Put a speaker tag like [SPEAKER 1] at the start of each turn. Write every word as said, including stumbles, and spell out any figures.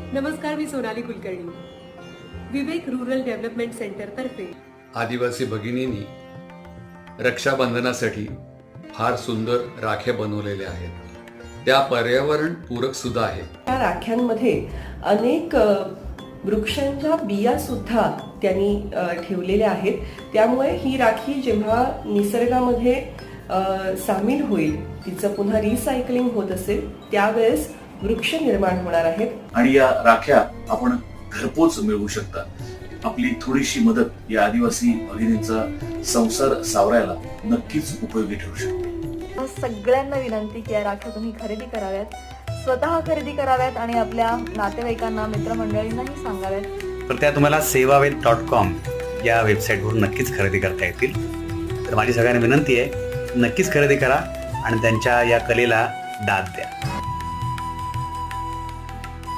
[SPEAKER 1] नमस्कार, मी Sonali Kulkarni. Vivek Rural Development Centre तर्फे
[SPEAKER 2] आदिवासी भगिनींनी रक्षाबंधनासाठी फार सुंदर राख्या बनवलेल्या आहेत. त्या पर्यावरण पूरक सुद्धा आहेत.
[SPEAKER 3] या राख्यांमध्ये अनेक अ, वृक्षांच्या बिया सुद्धा त्यांनी अ, ठेवलेल्या आहेत. त्यामुळे ही राखी जेव्हा निसर्गामध्ये अ, सामील होईल, तिचं पुन्हा रिसायकलिंग होत असेल, त्यावेळेस वृक्ष निर्माण होणार आहेत.
[SPEAKER 4] आणि या राख्या आपण घरपोच मिळवू शकता. आपली थोडीशी मदत या आदिवासी भगिनींचा संसार सावरायला नक्कीच उपयोगी ठरू शकते.
[SPEAKER 5] सगळ्यांना विनंती की या राख्या तुम्ही खरेदी कराव्यात, स्वतः खरेदी कराव्यात आणि आपल्या नातेवाईकांना, मित्रमंडळींनाही सांगाव्यात.
[SPEAKER 6] तर त्या तुम्हाला सेवावेद डॉट कॉम या वेबसाईटवरून नक्कीच खरेदी करता येतील. तर माझी सगळ्यांना विनंती आहे, नक्कीच खरेदी करा आणि त्यांच्या या कलेला दाद द्या.